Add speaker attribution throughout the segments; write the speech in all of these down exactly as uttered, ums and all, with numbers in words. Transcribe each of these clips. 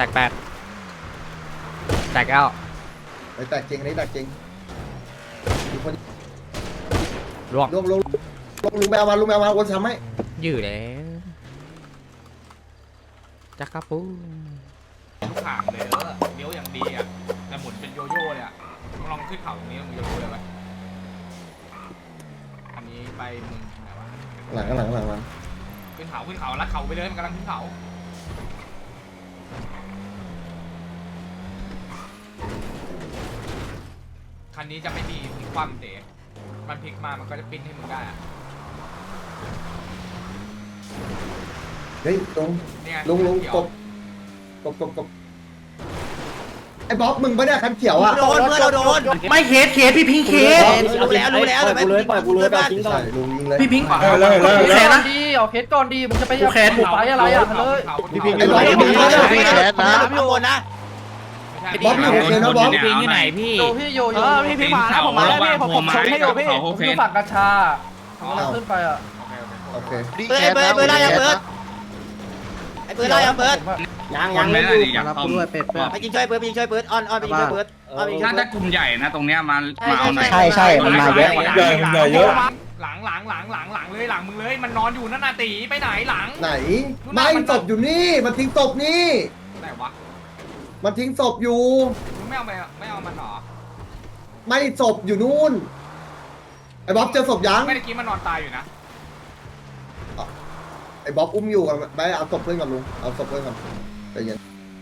Speaker 1: ตกแปดแตกเก้า
Speaker 2: ไอ้แตกจริงอันนี้แตกจริงมีคน
Speaker 1: ล่วง
Speaker 2: ลงลงลงลุงแมวมาลุงแมวมาวนซ้ำไหม
Speaker 1: ยืดแล้วจักรปู
Speaker 3: ทุกขางเลยแล้วเลี้ยวอย่างดีอ่ะแต่หมุนเป็นโยโย่เลยอ่ะลองขึ้นเขาตรงนี้มึงจะรู้เลยว่าอันนี้ไปมึงไหนวะ
Speaker 2: หลังหลังหลังหลัง
Speaker 3: ขึ้นเขาขึ้นเขาลัดเขาไปเลยมันกำลังขึ้นเขาคันนี้จะไม่มีพลิกคว่ำเตะมันพลิกมามันก็จะปิ้นให้มึงได้อะ
Speaker 2: เฮ้ยตรงลงลงกบกบกบกบไอ้บ๊อบมึงไม่ได้คันเขียวอ่ะ
Speaker 4: โดนเพื่อนเราโดน
Speaker 5: ไม่เคสเคสพี่พิงเคส
Speaker 4: รู้แล้วรู้แล้วเลย
Speaker 5: ปล่อยกูเลยปล่อยกูเลยแบบทิ้งก่อน
Speaker 2: ลุงยิงเลย
Speaker 5: พี่พิงขวาแคสนะดีเอาเคสก่อนดีมึงจะไปแคสไปอะไรอ่ะเลย
Speaker 4: พี่พิงไอ้บ๊อบพี่พิงแคสนะพี่โอนนะ
Speaker 2: บ๊อบอยู่โอเคนะบ๊อบ
Speaker 1: พี่พิงอยู่ไหนพี่
Speaker 5: โยพี่โยเออพี่พิงมาแล้วผมมาแล้วพี่ผมผมชนให้โยพี่ผมอยู่ฝั่งกัญชาขึ้นไปอ่ะ
Speaker 2: โอเค
Speaker 4: เบิร์ดเบิร์ดเบิร์ดอะไรอะเบิร์ดไอ้เบิร์ดอะไรอะเบิร์ด
Speaker 5: ยังยังไม่ดูรับกูด้วยเป็ด
Speaker 4: ไปยิงช่วยเบิร์ดไปยิงช่วยเบิร์ดออนออนไปยิงช่วยเบิร์ดออนไปยิงช่วยเบิร์ด
Speaker 6: ถ้ากลุ่มใหญ่นะตรงเนี้ยมามาเอาหน่อย
Speaker 5: ใช่ใช่มันมาเยอะ
Speaker 3: ใหญ่ใหญ่เยอะหลังหลังหลังหลังหลังเลยหลังมึงเลยมันนอนอยู่นั่นน่ะตีไปไหนหลัง
Speaker 2: ไหนไม่ศพอยู่นี่มันทิ้งศพนี่
Speaker 3: ไหนวะ
Speaker 2: มันทิ้งศพอยู่
Speaker 3: มึงไม่เอาไปไม่เอามันหรอ
Speaker 2: ไม่ศพอยู่นู่นไอ้บ๊อบเจอศพยัง
Speaker 3: ไม่ได้กินมันนอนตายอยู่นะ
Speaker 2: ไอ้บ๊อบอุ้มอยู่กันไปเอาศพเพื่อนก่อนลุงเอาศพเพื่อนก่อนไปเย็น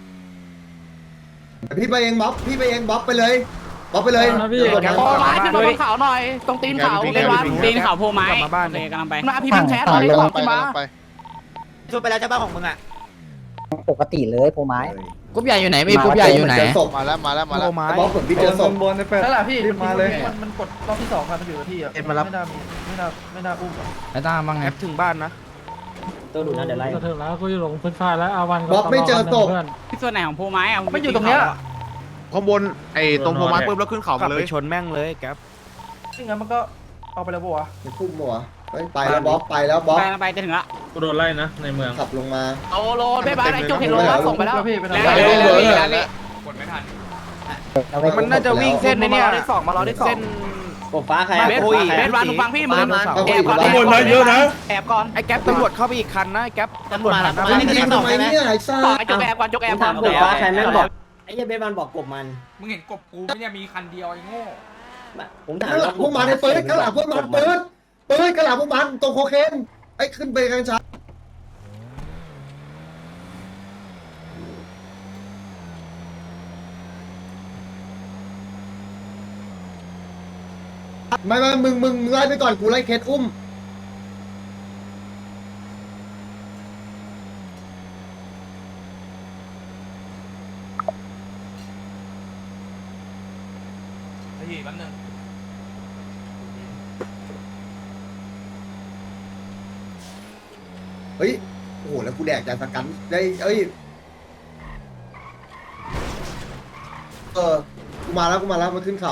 Speaker 2: พี่ไปเองบ๊อบพี่ไปเองบ๊อบไปเลยบ๊อบไปเลย
Speaker 5: พี่โผล่ไม้ขึ้นมาบนเขาหน่อยตรงตีนเขาเลยวัน
Speaker 1: ตีนเขาโผล่ไม้มาบ้านเลยกำลังไป
Speaker 5: มาพี่พิงแคสเลยกลับมา
Speaker 4: ช่วยไปแล้วเจ้าบ้านของมึงอ่ะ
Speaker 5: ปกติเลยโผล่ไม้
Speaker 1: กรุ๊ปใหญ่อยู่ไหนไม่กรุ๊ปใหญ่อยู่ไหน
Speaker 2: มาแล้วมาแล้วมาแล้วบ๊อบผมพี่เจอศพ
Speaker 5: บนนั่นแหละพี่มาเลยมันกดรอบที่สองมันอยู่ที่อ่ะไม่น่ามีไม่น่าไม่น่าอุ้ม
Speaker 1: ไอ้ตาบ้างไง
Speaker 5: ถึงบ้านนะ
Speaker 7: ตัวดูนะเดี๋ยวไล่
Speaker 8: ก็ถึงแล้วกูจะหลงพื้นฟ้าแล้วอาวัน
Speaker 2: บ๊อบไม่เจอศพ
Speaker 1: ที่ส่วนไหนของโพไม้อะ
Speaker 5: ไม่อยู่ตรงเนี้ย
Speaker 7: ข้างบนไอ้ตรงโพไม้ปุ๊บแล้วขึ้นเขามาเลย
Speaker 5: ชนแม่งเลยแก๊ปซึ่งงั้นมันก็เอาไปแล้วบัว
Speaker 2: มันพุ่งบัวไปแล้วบ๊อบไปแล้วบ๊อบ
Speaker 1: ไปไปจะถึงละ
Speaker 8: กูโดนไล่นะในเมือง
Speaker 2: ขับลงมา
Speaker 5: โอ้โหไม่บ้านไอ้จุกเห็นรถส่งไปแล้วพี่ไปแล้ว
Speaker 3: กดไม่ทัน
Speaker 5: มันน่าจะวิ่งเส้นในนี้ได้สองมาเราได้เส้น
Speaker 7: กบฟ้าใคร
Speaker 5: เบสเบสวันฟังพี่มึงแอบก่อน
Speaker 8: ข้างบนนะเยอะนะ
Speaker 5: แอบก่อนไอ้แก๊ปตำรวจเข้าไปอีกคันนะไอ้แก๊ปตำรวจผ่านมา
Speaker 2: ไม่ได้ทำไมเนี่ยไอ้ซ่า
Speaker 5: ไอ้จุกแอบก่อนจุกแอบก่อน
Speaker 7: กบฟ้าใครแม่งบอกไอ้เหี้ยเบสมันบอกกบมัน
Speaker 3: มึงเห็นกบกูไม่เนี่ยมีคันเดียวไอ้โง่
Speaker 7: ผมถาม
Speaker 2: ว่าพวกมันไอ้เปิดกระหล่ำพวกมันเปิดเปิดกระหล่ำพวกมันตรงโคเคนไอ้ขึ้นไปกัญชาไม่ไม่มึงมึงมึงไล่ไปก่อนกูไล่เคสอุ้ม
Speaker 3: ไอ้ยี่แป๊บนึง
Speaker 2: เฮ้ยโอ้โหแล้วกูแดกจากสกันได้เอ้ยเออกูมาแล้วกูมาแล้วมาขึ้นเขา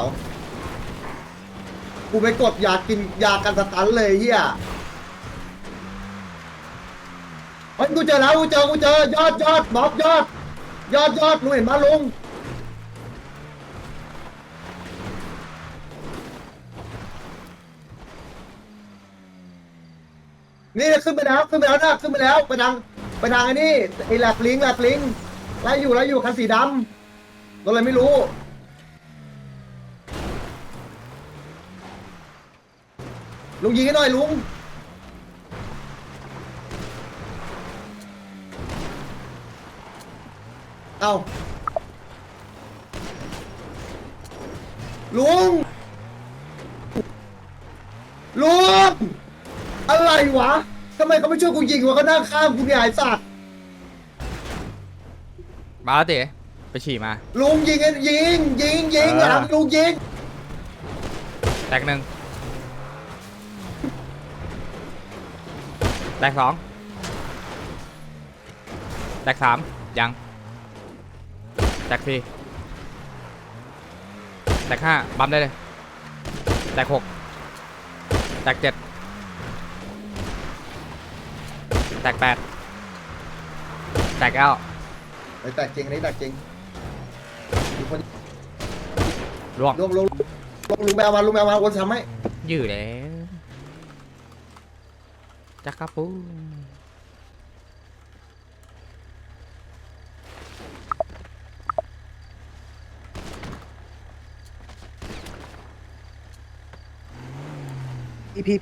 Speaker 2: กูไปกดยากินยากันสตันเลยเฮียเฮ้ยกูเจอแล้วกูเจอกูเจอยอดยอดบ๊อบยอดยอดยอดลุงเห็นมาลุงนี่ขึ้นไปแล้วขึ้นไปแล้วนะขึ้นไปแล้วไปทางไปทางไอ้นี่ไอ้แหลกลิงแหลกลิงไล่อยู่ไล่อยู่คันสีดำตัวอะไรไม่รู้ลุงยิงให้หน่อยลุงเอาลุงลุงอะไรวะทำไมเขาไม่ช่วยกูยิงวะเขานั่งข้ามกูเนี่ยไอ้สัตว์
Speaker 1: มาแล้วเต๋ไปฉี่มา
Speaker 2: ลุงยิงยิงยิงยิงหลังลุงยิง
Speaker 1: แตกหนึ่งแตกสองแตกสามยังแตกสี่แตกห้าบัมได้เลยแตกหกแตกเจ็ดแตกแปดแตกเก้า
Speaker 2: ไอ้แตกจริงอันนี้แตกจริงมีคน
Speaker 1: ล่วง
Speaker 2: ลงลงลงลุงแมวมาลุงแมวมาวนซ้ำไหม
Speaker 1: ยืดแล้วจักรปู
Speaker 2: อีพีพี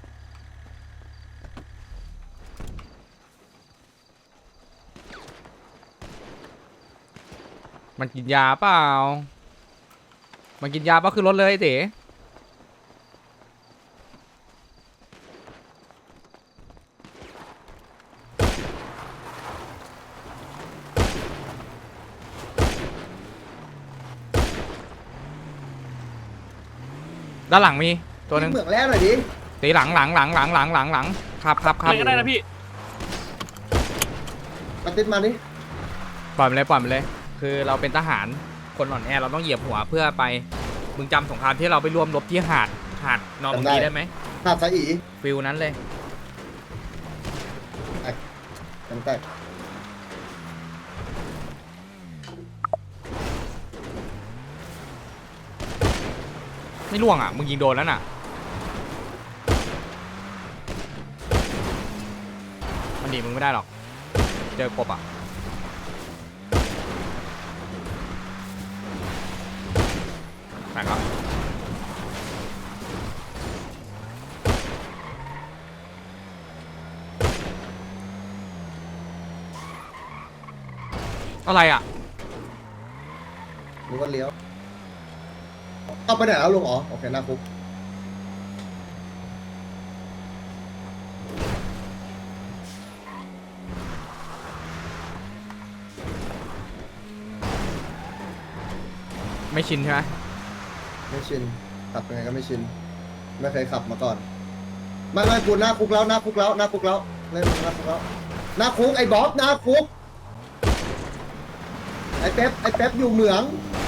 Speaker 1: มันกินยาเปล่ามันกินยาเปล่าขึ้นรถเลยไอ้เต๋ด้านหลังมีตัวหนึง
Speaker 2: เหมืองแล้วหน่อยดิ
Speaker 1: ตีหลังหลังหลังหลังหลังหลังหลังครับครับครับ
Speaker 5: อะไรก็ได้นะพี่
Speaker 2: มาติดมาดิ
Speaker 1: ปล่อยมันเลยปล่อยมันเลย คือเราเป็นทหารคนอ่อนแอเราต้องเหยียบหัวเพื่อไปมึงจำสงครามที่เราไปร่วมรบที่หาดหาดนอร์มังดีได้ไหม
Speaker 2: หาดสายอี
Speaker 1: ฟิลนั้นเลย
Speaker 2: กันแตก
Speaker 1: ไม่ล่วงอ่ะมึงยิงโดนแล้วน่ะมันดีมึงไม่ได้หรอกเจอกบอ่ะแตกครับอะไรอ่ะ
Speaker 2: ลุงก็เลี้ยวเอาไปไหนแล้วลุงอ๋อโอเคหน้าคุก
Speaker 1: ไม่ชินใช่ไหม
Speaker 2: ไม่ชินขับยังไงก็ไม่ชินไม่เคยขับมาก่อนไม่ไม่กูหน้าคุกแล้วหน้าคุกแล้วหน้าคุกแล้วเล่นหน้าคุกแล้วหน้าคุกไอ้บ๊อบหน้าคุกไอ้เป๊ปไอ้เป๊ปอยู่เหมือง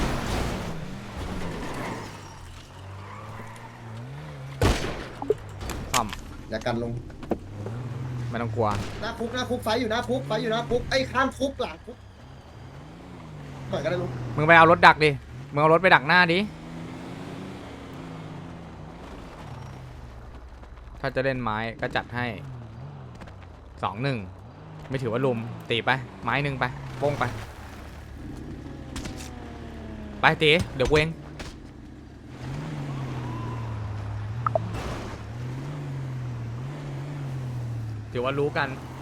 Speaker 1: ซ่อม
Speaker 2: อย่ากันลง
Speaker 1: ไม่ต้องกลัว
Speaker 2: หน้าคุกหน้าคุกไฟอยู่หน้าคุกไฟอยู่หน้าคุกไอ้ข้ามคุกหลังคุกหน่อยก็ได้ลุง
Speaker 1: มึงไปเอารถดักดิมึงเอารถไปดักหน้าดิถ้าจะเล่นไม้ก็จัดให้สองหนึ่งไม่ถือว่าลุมตีไปไม้หนึ่งไปโป้งไปไปตีเดี๋ยวกูเองถือว่ารู้กัน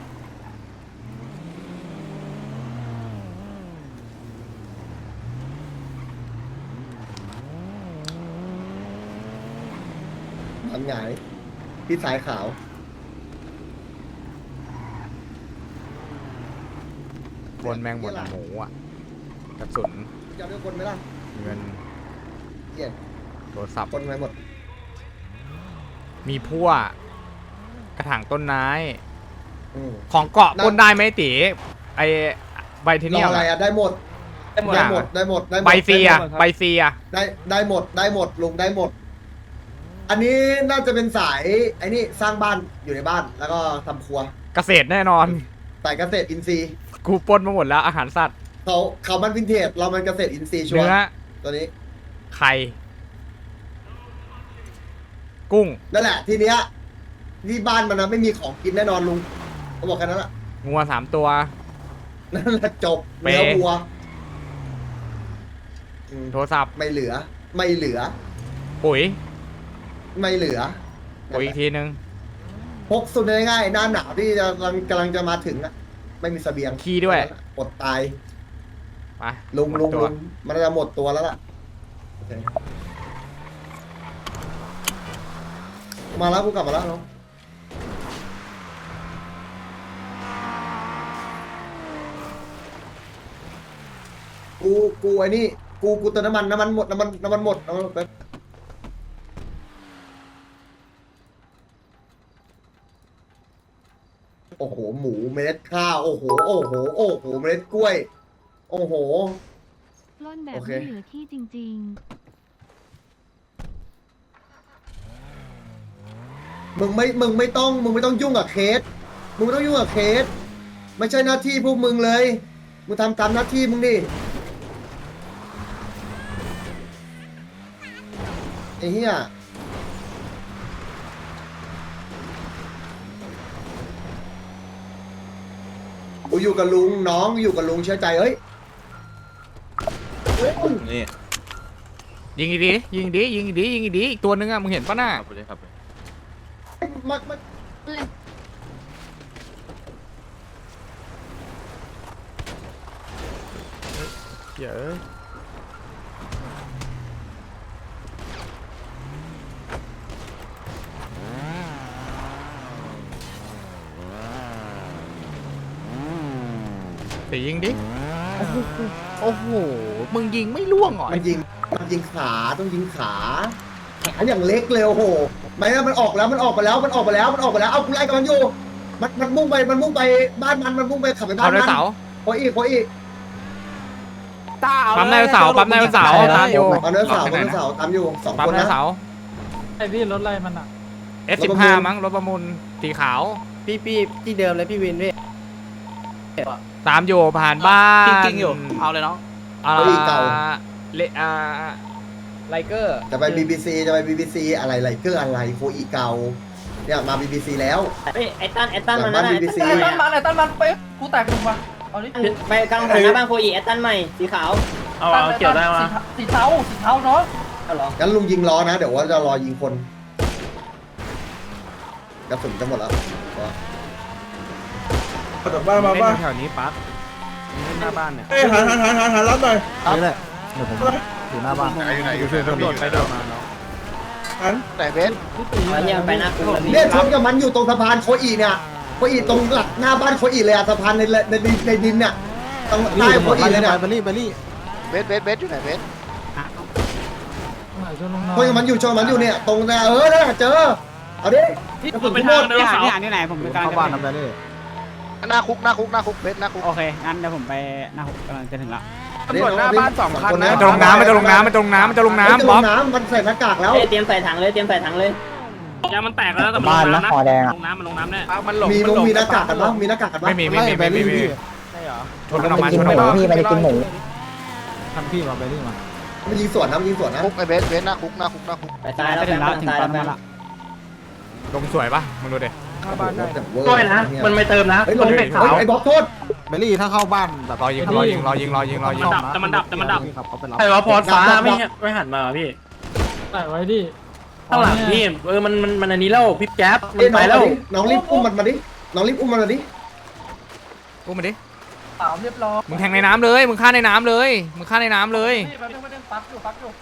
Speaker 2: มันหงายที่สายขาว
Speaker 1: บนแมงบนหมูอ่ะกระสุน
Speaker 2: จะเอาเรื่องคนไหมล่ะ
Speaker 1: เงิน
Speaker 2: เหี้ย
Speaker 1: โทรศัพท์
Speaker 2: คนไปหมด
Speaker 1: มีพั่วกระถางต้นไม้
Speaker 2: อืม
Speaker 1: ของเกาะปล้นได้ไหมตีไอใบเท
Speaker 2: ร
Speaker 1: เนี
Speaker 2: อย
Speaker 1: ม
Speaker 2: อะไร
Speaker 1: อะ
Speaker 2: อ่ะได้หมด
Speaker 1: ได้หมด
Speaker 2: ได้หมดได้หมดได้หมด
Speaker 1: ใบเซีย
Speaker 2: ได้หมด
Speaker 1: ใบเซีย
Speaker 2: ได้ได้หมดได้หมดลุงได้หมด อันนี้น่าจะเป็นสายไอ้นี่สร้างบ้านอยู่ในบ้านแล้วก็ทำครัว
Speaker 1: เกษตรแน่นอน
Speaker 2: สายเกษตรอินทรีย์
Speaker 1: กูปล้นมาหมดแล้วอาหารสัตว์
Speaker 2: เขาเขามันวินเทจเรามันเกษตรอินทรีย์ชัว
Speaker 1: เนื้อ
Speaker 2: ร์ตัวนี้
Speaker 1: ไข่กุ้ง
Speaker 2: นั่นแหละทีเนี้ยที่บ้านมันนะไม่มีของกินแน่นอนลุงเขาบอกแค่นั้นแหละ
Speaker 1: งัวสามตัว
Speaker 2: นั่นแหละจบ
Speaker 1: เป๊ะ
Speaker 2: เนื้อวัวอืม
Speaker 1: โทรศัพท์
Speaker 2: ไม่เหลือ ไม่เหลือ
Speaker 1: ปุ๋ย
Speaker 2: ไม่เหลือ
Speaker 1: ปุ๋ยอีกทีนึง
Speaker 2: พกสุดง่ายๆหน้าหนาวที่จะกำลังกำลังจะมาถึงอะไม่มีเสบียง
Speaker 1: ขี้ด้วย
Speaker 2: อดตาย
Speaker 1: ไป
Speaker 2: ลุง
Speaker 1: หมด
Speaker 2: ลุง
Speaker 1: ตัว
Speaker 2: ลุงมันจะหมดตัวแล้วล่ะโอเคมาแล้วกูกลับมาแล้วน้องกูกูไอ้นี่กูกูเติมน้ำมันน้ำมันหมดน้ำมันน้ำมันหมดน้ำมันหมดแป๊บโอ้โหหมูเมล็ดข้าวโอ้โหโอ้โหโอ้โหเมล็ดกล้วย โอ้โห
Speaker 9: ปล้นแบบ
Speaker 2: โอเค
Speaker 9: ไม่เหลือที่จริง
Speaker 2: มึงไม่ มึงไม่ต้อง มึงไม่ต้องยุ่งกับเคส มึงไม่ต้องยุ่งกับเคส ไม่ใช่หน้าที่พวกมึงเลยมึงทำตามหน้าที่มึงดิไอ้เหี้ยกูอยู่กับลุงน้องอยู่กับลุงเชื่อใจเฮ้ยเฮ้ย
Speaker 7: นี่
Speaker 1: ยิงอีกดียิงอีกดียิงอีกดียิงอีกดีอีกตัวนึงอะมึงเห็นปะน่ะ
Speaker 7: ครับเลยครับ
Speaker 2: มามา
Speaker 1: เยอะไปยิงดิโอ้โหมึงยิงไม่ล่วงเหรอ
Speaker 2: มันยิงมันยิงขาต้องยิงขาขาอย่างเล็กเลยโอ้โหไม่งั้นมันออกแล้วมันออกไปแล้วมันออกไปแล้วมันออกไปแล้วเอากูไล่กับมันอยู่มันมันมุ่งไปมันมุ่งไปบ้านมันมันมุ่งไปขับไปบ้า
Speaker 1: เอา
Speaker 2: น
Speaker 1: ได
Speaker 2: มัน
Speaker 1: เสา
Speaker 2: โคอีโคอี
Speaker 4: ตาเอา
Speaker 1: ปั๊มไดเสาปั๊มไดเสาตามอยู่
Speaker 2: เอาเนื้อเสาเอาเนื้อเสาตามอยู่สอง
Speaker 1: ปั๊ม
Speaker 2: คน
Speaker 1: ได
Speaker 2: นะ
Speaker 1: เสา
Speaker 8: ไอพี่รถอะไรมันอ่ะ
Speaker 1: เอสสิบห้ามั้งรถประมูลสีขาว
Speaker 4: พี่พี่ที่เดิมเลยพี่วินพี่
Speaker 1: ตามอยู่ผ่านบ้าน
Speaker 4: กิ้งๆอยู่เอาเลยน้อง
Speaker 1: อ่าเลอ่าไลเกอร์
Speaker 2: จะไป บี บี ซี จะไป บี บี ซี อะไรไรเกอร์อะไรโคอีเก่าเนี่ยมา บี บี ซี แล้ว
Speaker 10: เฮ้ยไอ้ตั้นไอ้ตั้น
Speaker 2: หลั
Speaker 10: มัน
Speaker 2: งบ้าน
Speaker 10: นั่น
Speaker 2: บี
Speaker 10: น่ะ
Speaker 2: บีซี
Speaker 5: ไอ้ตั้นมันไอ้ตั้นมันไปกูแตกหนึ่งว่ะเอาดิ
Speaker 10: ไปกลางถนนหน้าบ้านโคอีไอ้ตั้นใหม่สีขาว
Speaker 8: เอาเอาเกี่ยวได้มา
Speaker 5: สีเทาสีเทาเนาะ
Speaker 10: เอาเหรอ
Speaker 2: งั้นลุงยิงล้อนะเดี๋ยวว่าจะรอยิงคนกระสุนจะหมดแล้ว
Speaker 8: จากบ้านมาบ้าน
Speaker 1: แถวนี้ปั๊บ
Speaker 4: หน้าบ้านเนี่ย
Speaker 8: เอ้ยหันหันหันหันหันรับหน่อย
Speaker 4: นี่แหละเดี๋ยวผมอยู่หน้าบ้าน
Speaker 7: ไหนอยู่ไหนอยู่
Speaker 1: ตำรวจไปเดินมา
Speaker 8: หัน
Speaker 4: แต่เบส
Speaker 10: เอาเนี่ยไปหน้าคุกแล้วพี่
Speaker 2: เนี่ยชนกับมันอยู่ตรงสะพานโคอีเนี่ยโคอีตรงหลักหน้าบ้านโคอีเลยอะสะพานในในในในดินเนี่ยตรงใต้โคอีเลยเนี่ย
Speaker 4: เบลลี่เบลลี่เบสเบสเบสอยู่ไหนเบส
Speaker 8: ช่วยลงหน่
Speaker 2: ชนกับมันอยู่ชนกับมันอยู่เนี่ยตรงเนี่ยเออเนี่ยเจอเอาดิกระสุนทั้งหมด
Speaker 10: พี่หาพี่หาที่ไหนผมไปกลาง
Speaker 4: เข้าบ้านนะเบลลี่หน้าคุกหน้าคุกหน้าคุกเบสหน้าคุก
Speaker 10: โอเคงั้นเดี๋ยวผมไปหน้าคุกกำลังจะถึงละ
Speaker 4: ตำรวจหน้าบ้านสองคัน
Speaker 2: นะ
Speaker 1: มันจะลงน้ำมันจะลงน้ำมันจะลงน้ำมันจะลง
Speaker 2: มันจะ
Speaker 1: น้ำ
Speaker 2: ล
Speaker 1: บ๊อบ
Speaker 2: งน้ำมันใส่หน้ากากแล้ว
Speaker 10: เอ้ยเตรียมใส่ถังเลยเตรียมใส่ถังเลย
Speaker 3: ยามันแตกแล้วแต่มัน
Speaker 4: บ้านนะคอแดง
Speaker 3: ลงน้ำมันลงน้ำแน่
Speaker 4: มันหลง
Speaker 2: มีลงมีหน้ากากกันบ้างมีหน้ากากกันบ้าง
Speaker 1: ไม่มีไม่มีไม่มีไม่มี
Speaker 4: ใช่เหรอ
Speaker 1: ชนกันออกมาชนออกมา
Speaker 4: พี่ไปกินหมู
Speaker 8: ทำพี่มาไปนี่มา
Speaker 2: มันยิงสวนนะมันยิงสวนนะ
Speaker 4: คุกไอเบสเบสหน้าคุกหน้าคุกหน้าคุก
Speaker 10: ไปซ้ายแล้วไปทางซ้ายแล้วไป
Speaker 1: ลงสวยปะมึงดูดิ
Speaker 4: หน้าบ้านได้
Speaker 2: ด้วยนะมันไม่เติมนะเฮ้ยลงไอ้บล็อกโทษ
Speaker 4: เบลลี่ถ้าเข้าบ้านแบบ
Speaker 1: รอยิงรอยิงรอยิงรอยิงรอยิง
Speaker 3: แต่มันดับแต่มันดับ
Speaker 4: ขับเขาไปรับ
Speaker 2: ไอ้วะพอฟ้าไม่
Speaker 3: ไม่หันมาพี่
Speaker 8: ใส่ไว้ดิ
Speaker 3: ข้างหลังพี่เออมันมันมันอันนี้แล้วพี่แก๊ป
Speaker 2: เอ้ยน้องมาดิน้องรีบอุ้มมันมาดิน้องรีบอุ้มมันมาดิ
Speaker 1: กูมาดิ
Speaker 5: สามเรียบร้อย
Speaker 1: มึงแทงในน้ำเลยมึงฆ่าในน้ำเลยมึงฆ่าในน้ำเลย
Speaker 5: นี่แป๊บนึงแป๊บนึงปักอยู่ปักอยู่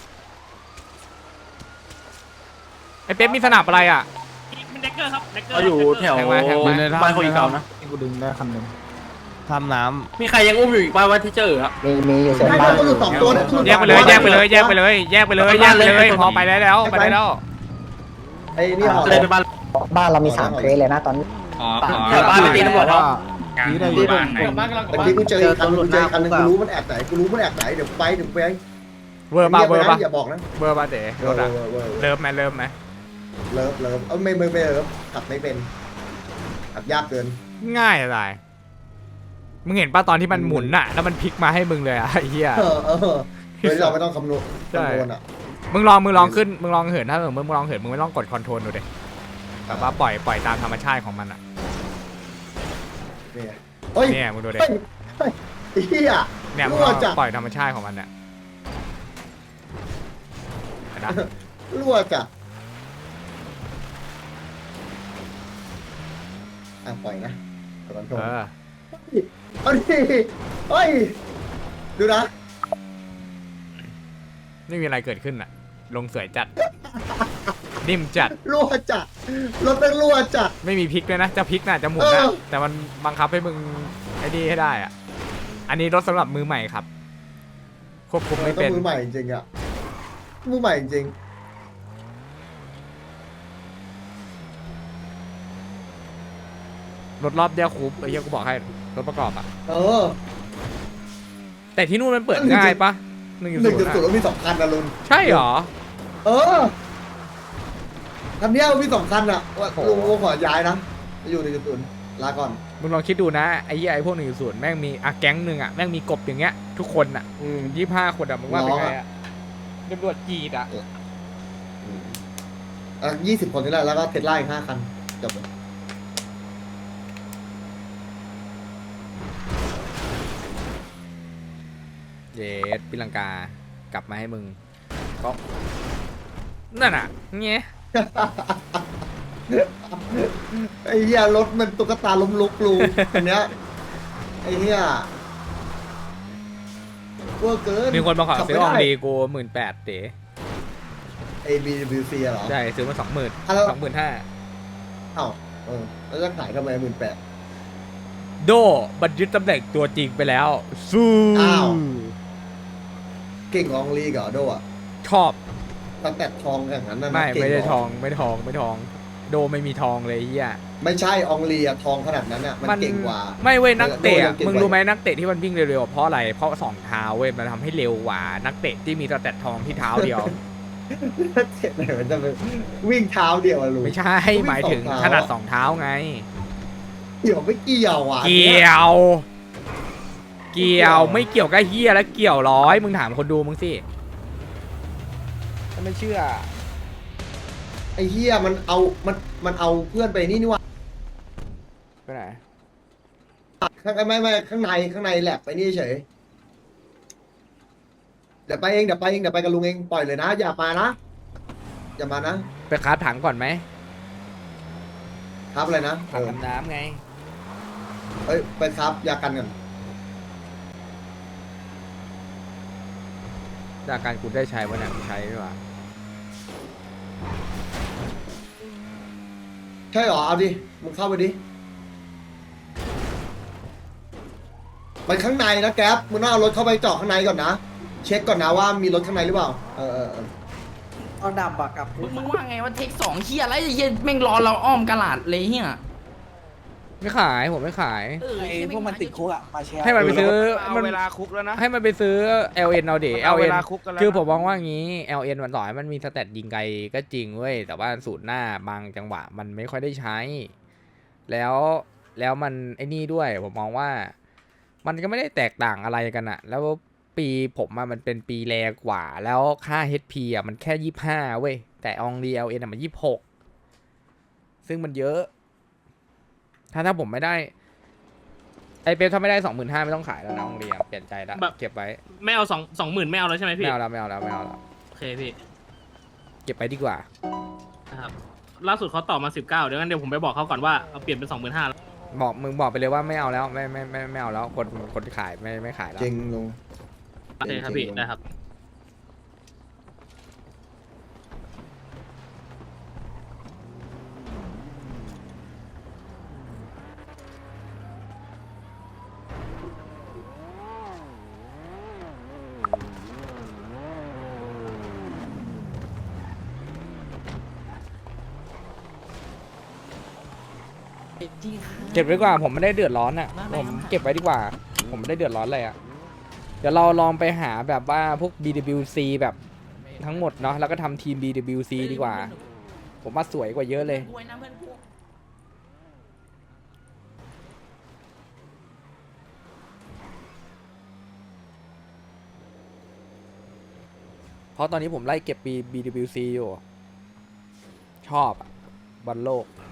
Speaker 1: ไอ้เป๊ปมีสนับอะไรอ่ะ
Speaker 3: มันเด็กเกอร์ครับเด็กเกอร์
Speaker 8: เราอยู่แถว
Speaker 1: แทงไว้แทงไว้
Speaker 8: บ้านคนอีกเก่านะ
Speaker 4: กูดึงได้คันหนึ่งทำน้
Speaker 3: มีใครยังอุ้มอยู่อีกป่าวว่าที่เจอครับ
Speaker 4: ำมีมีอยู่
Speaker 2: ไม่ต้องอยู่สองตัวนะ
Speaker 1: แยกไปเลยแยกไปเลยแยกไปเลยแยกไปเลยแยกไปเลยพอไปได้แล้วไปได้แล้ว
Speaker 2: ไอ้นี่ห่อ
Speaker 3: เลยไปบ้าน
Speaker 4: บ้านเรามีสามเคสเลยนะตอนนี้
Speaker 6: ขอขอ
Speaker 3: แถวบ้านไปตีตำรวจเขา
Speaker 6: กลางหมู่บ้านไหน
Speaker 2: เมื่อกี้กูเจออีกคันกูเจออีกคันนึงกูรู้มันแอบไหนกูรู้มันแอบไหนเดี๋ยวไปเดี๋ยวไป
Speaker 1: เวอร์ป่ะเวอร์ป่ะ
Speaker 2: อย่าบอกนะ
Speaker 1: เวอร์ป่ะเต๋รถอ่ะเลิฟไหมเลิฟไหม
Speaker 2: เลิฟเลิฟเออไม่ไม่ไม่เลิฟขับไม่เป็นขับยากเกิน
Speaker 1: ง่ายอะไรมึงเห็นป่ะตอนที่มันหมุนน่ะแล้วมันพลิกมาให้มึงเลยอ่ะไอ้เหี้ย
Speaker 2: เออเออโดยเราไม่ต้องคำนวณ
Speaker 1: ใช่
Speaker 2: คำนวณอ่ะ
Speaker 1: มึงลองมึงลองขึ้นมึงลองเหินถ้าเกิดมึงลองเหินมึงไม่ต้องกดคอนโทรลดูดิแบบว่าปล่อยปล่อยตามธรรมชาติของมันอ่ะ
Speaker 2: เนี่ยเฮ้ย
Speaker 1: เนี่ยมึงดูดิ
Speaker 2: เฮ้ยเฮ้ยไอ้เหี้ย
Speaker 1: เนี่ยมึง
Speaker 2: รั่
Speaker 1: ล
Speaker 2: ว
Speaker 1: อง
Speaker 2: จัด
Speaker 1: ปล่อยธรรมชาติของมันเนี่ยเห็นปะ
Speaker 2: รั่วจัดอ่ะปล่อยนะกดคอนโทรล
Speaker 1: เออ
Speaker 2: เอาดิเฮ้ยดูนะ
Speaker 1: ไม่มีอะไรเกิดขึ้นอ่ะ ลงสวยจัด นิ่มจัด
Speaker 2: รั่วจัดรถเป็นรั่วจัด
Speaker 1: ไม่มีพลิกเลยนะ จะพลิกน่ะจะหมุนนะ
Speaker 2: เออ
Speaker 1: แต่มันบังคับให้มึงไอ้นี่ให้ได้อ่ะ อันนี้รถสำหรับมือใหม่ครับ ควบคุมไม่
Speaker 2: ต้อ
Speaker 1: เป็น
Speaker 2: งมือใหม่จริงๆอ่ะมือใหม่จริง
Speaker 1: รถรอบเดียวคูปไอ้เหี้ยกูบอกให้ รถประกอบอ่ะ
Speaker 2: เออ
Speaker 1: แต่ที่นู่นมันเปิดง่ายปะหนึ่ง
Speaker 2: หนึ่งจุดศูนย์
Speaker 1: ศูนย์
Speaker 2: แล้วมีสองคันนะลุน
Speaker 1: ใช่เหรอ
Speaker 2: เออคันเนี้ยมีสองคันอ่ะว่าลุงลุงขอย้ายนะอยู่หนึ่งจุดศูนย์ลาก่อน
Speaker 1: มึงมึงลองคิดดูนะไอ้เหี้ยไอ้พวกหนึ่งศูนย์แม่งมีอ่ะแก๊งหนึ่งอ่ะแม่งมีกบอย่างเงี้ยทุกคนอ่ะ
Speaker 2: อืม
Speaker 1: ยี่ห้าคนอ่ะมึงว่าเป็นไงอ่ะตำรวจจีดอ่ะ
Speaker 2: อ่ะยี่สิบคนนี่แหละแล้วก็เทสลาอีกห้าคันจบเลย
Speaker 1: เยสปีลังกากลับมาให้มึงก็นั่นอ่ะเงี้ย
Speaker 2: ไอ้เหี้ยรถมันตุ๊กตาล้มลุกลูอันเนี้ยไอ้เหี้ยเวอร์เกิน
Speaker 1: มีคนมาขอ
Speaker 2: ขับ
Speaker 1: ซื้อ
Speaker 2: ไม่
Speaker 1: ออง
Speaker 2: ได้
Speaker 1: ดีกูหมื่นแปดเต๋
Speaker 2: A B W C เหรอ
Speaker 1: ใช่ซื้อมาสองหมื่น
Speaker 2: อ่ะแล้ว
Speaker 1: สองหมื่นห้า
Speaker 2: เอ้าเออแล้วจะขายทำไมหมื่นแปด
Speaker 1: โดบัตรยึดตำแหน่งตัวจริงไปแล้วสู้
Speaker 2: อ้าว เก่งของลีกเหรอโดอ่ะ
Speaker 1: ชอบ
Speaker 2: ตั้งแต่ทองอย่างนั้นนะ
Speaker 1: ไม่
Speaker 2: เก่
Speaker 1: ไม่ได้
Speaker 2: เหร
Speaker 1: ทองไม่ทองไม่ทอง โดไม่มีทองเลยไอ้เฮีย
Speaker 2: ไม่ใช่อองลีอะทองขนาดนั้นอะมันเก่งกว่า
Speaker 1: ไม่เว้ยนักเตะ
Speaker 2: โดยั
Speaker 1: อะ
Speaker 2: งเก่งกว่า
Speaker 1: มึงรู้ไหมนักเตะที่มันวิ่งเร็วๆเพราะอะไรเพราะสองเท้าเว้ยมันทำให้เร็วกว่า นักเตะที่มีสแตททองที่เท้าเดียว
Speaker 2: เจ็บไหนมันจะไปวิ่งเท้าเดียวอะลูก
Speaker 1: ไม่ใช่หมายถึงขนาดสองเท้าไง
Speaker 2: เกี่ยวไม่เกี่ยวอ่ะ
Speaker 1: เกี่ยว เกี่ยวไม่เกี่ยวกับเฮียแล้วเกี่ยวร้อยมึงถามคนดูมึงสิถ้าไม่เชื่อ
Speaker 2: ไอ้เฮียมันเอามันมันเอาเพื่อนไปนี่นี่หว่า
Speaker 1: ไปไหน
Speaker 2: ข้างไม่ไม่ข้างในข้างในแหลบไปนี่เฉยเดี๋ยวไปเองเดี๋ยวไปเองเดี๋ยวไปกับลุงเองปล่อยเลยนะ อย่ามานะอย่ามานะ
Speaker 1: ไปคาบถังก่อนไหม
Speaker 2: ครับอะไรนะ
Speaker 1: ถังดำน้ำไง
Speaker 2: เอ้ยไปครับยากันกัน
Speaker 1: จากการกูได้ใช้วันนั้นใช้ด้วยวะ
Speaker 2: ใช่เหรอเอาดิมึงเข้าไปดิไปข้างในนะแก๊ปมึงต้องเอารถเข้าไปจอดข้างในก่อนนะเช็คก่อนนะว่ามีรถข้างในหรือเปล่าเออเออเออ
Speaker 4: เอาดับอะกับ
Speaker 6: มึงมึงว่าไงว่าเทคสองเฮียอะไรไอ้เฮียแม่งรอเราอ้อมกระลาดเลยเฮีย
Speaker 1: ไม่ขายผมไม่ขาย
Speaker 6: เออ
Speaker 4: ไอ้พวกมันติดคุกอะมาแชร์
Speaker 1: ให้มันไปซื้อ
Speaker 7: เอา
Speaker 1: มัน
Speaker 7: เวลาคุกแล้วนะ
Speaker 1: ให้มันไปซื้อ แอล เอ็น เอาเด
Speaker 7: เอา
Speaker 1: แอล
Speaker 7: เว
Speaker 1: เอ็น
Speaker 7: ลาคุกกันแล้วนะ
Speaker 1: คือผมมองว่างี้ แอล เอ็น มันต่อให้มันมีสเตตยิงไกลก็จริงเว้ยแต่ว่าสูตรหน้าบางจังหวะมันไม่ค่อยได้ใช้ แล้วแล้วมันไอ้นี่ด้วยผมมองว่า มันก็ไม่ได้แตกต่างอะไรกันอะแล้วปีผมอะมันเป็นปีแรกกว่า แล้วค่า เอช พี อะมันแค่ยี่สิบห้าเว้ยแต่อองดี แอล เอ็น อะมันยี่สิบหกซึ่งมันเยอะ ถ้าถ้าผมไม่ได้ไอเป๊ปถ้าไม่ได้สองหมื่นห้าไม่ต้องขายแล้วนะอองดีอะเปลี่ยนใจแล้วเก็บไว้
Speaker 8: ไม่เอาสองสองหมื่นไม่เอาแล้วใช่ไหม
Speaker 1: ไม่
Speaker 8: พี่
Speaker 1: เอาแล้วไม่เอาแล้วไม่เอาแล้ว
Speaker 8: โอเคพี่
Speaker 1: เก็บไปดีกว่า
Speaker 8: นะครับล่าสุดเขาตอบมาสิบเก้าเดี๋ยวงั้นเดี๋ยวผมไปบอกเขาก่อนว่าเอาเปลี่ยนเป็นสองหมื่นห้าแล้ว
Speaker 1: บอกมึงบอกไปเลยว่าไม่เอาแล้วไม่ไม่ไม่ไม่เอาแล้วคนคนขายไม่ไม่ขายแล้ว
Speaker 2: เก่งลุง
Speaker 8: โอเคครับพี่ได้ครับ
Speaker 1: เก็บไว้ดีกว่าผมไม่ได้เดือดร้อนอ่ะผมเก็บไว้ดีกว่า ผมไม่ได้เดือดร้อนเลยอ่ะเดี๋ยวเราลองไปหาแบบว่าพวก บี ดับเบิลยู ซี แบบทั้งหมดเนาะแล้วก็ทำทีม บี ดับเบิลยู ซี ดีกว่า ผมว่าสวยกว่าเยอะเลย เพราะตอนนี้ผมไล่เก็บปี บี ดับเบิลยู ซี อยู่ ชอบอะบอลโลก